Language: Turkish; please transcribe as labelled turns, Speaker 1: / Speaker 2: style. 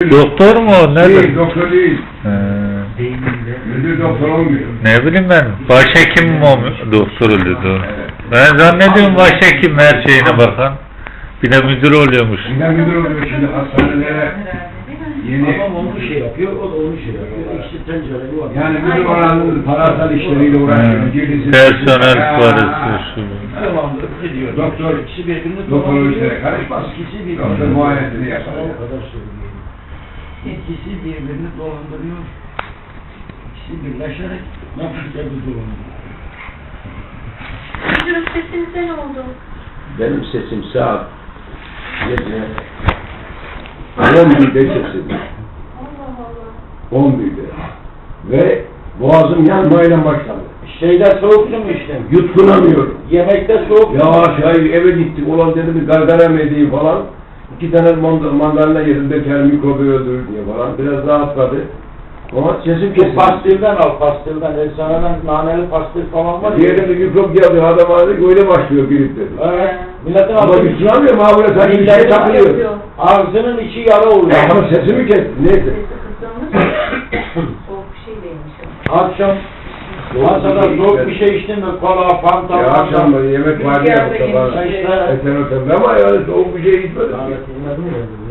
Speaker 1: Doktor mu o? Nedir?
Speaker 2: Değil, doktor değil. Müdür doktor olmuyor.
Speaker 1: Ne bileyim ben. Başhekim mi o doktor oluyordu?
Speaker 2: Evet.
Speaker 1: Ben zannediyorum başhekim her şeyine bakan. Bir de müdür oluyormuş.
Speaker 2: Şimdi müdür oluyor şimdi hastanelere. Yeni.
Speaker 3: Ama onu şey yapıyor, o da onu şey yapıyor. İkisi tencereli var.
Speaker 2: Yani müdür oranın parasal işleriyle uğraşıyor. Girdisi.
Speaker 1: Personel parası şu.
Speaker 3: Devamlı ediyor.
Speaker 2: Doktor,
Speaker 3: İkisi birbirini
Speaker 2: doktor
Speaker 3: dolandırıyor.
Speaker 2: işlere karışmaz.
Speaker 3: İkisi birbirini
Speaker 2: Doktor muayenesini yapar.
Speaker 3: O kadar söylüyor. İkisi birbirini dolandırıyor. İkisi birleşerek nafile dolandırıyor.
Speaker 4: Müdürüm sesinize ne oldu?
Speaker 5: Benim sesim saat gece 11'de kesildi.
Speaker 4: Allah Allah.
Speaker 5: 11'de. Ve boğazım yanmayla başladı.
Speaker 3: Şeyde soğuktu mu işte?
Speaker 5: Yutkunamıyorum.
Speaker 3: Yemekte soğuk.
Speaker 5: Yavaş yavaş eve gittik. Ulan dedim bir gargara mı edeyim falan. 2 tane mandalina yedim de kendimi mikrobu öldürür diye falan. Biraz rahatladı. Ama sesim
Speaker 3: Bu
Speaker 5: kesildi.
Speaker 3: pastilden al, pastilden. Eczaneden naneli pastil falan var ya.
Speaker 5: Diğerinde mikrop geldi. Adam abi öyle başlıyor grip dedi.
Speaker 3: Evet. Milletin
Speaker 5: Ama
Speaker 3: ağzının
Speaker 5: yutkunamıyorum abi. Böyle sanki bir şey takılıyor.
Speaker 3: ağzının içi yara oluyor.
Speaker 5: Ama sesimi kesti. Neyse.
Speaker 4: Sesi kısılmış. Soğuk bir şey değilmiş o.
Speaker 3: Akşam masada soğuk bir şey içtin mi? Kola, fanta,
Speaker 5: Ya akşam böyle yemek var ya.
Speaker 4: Rüzgarda
Speaker 5: Sabah.
Speaker 4: yemiş.
Speaker 3: İşte
Speaker 5: Ama yani soğuk bir şey içmedim.
Speaker 3: lanet inanmıyor.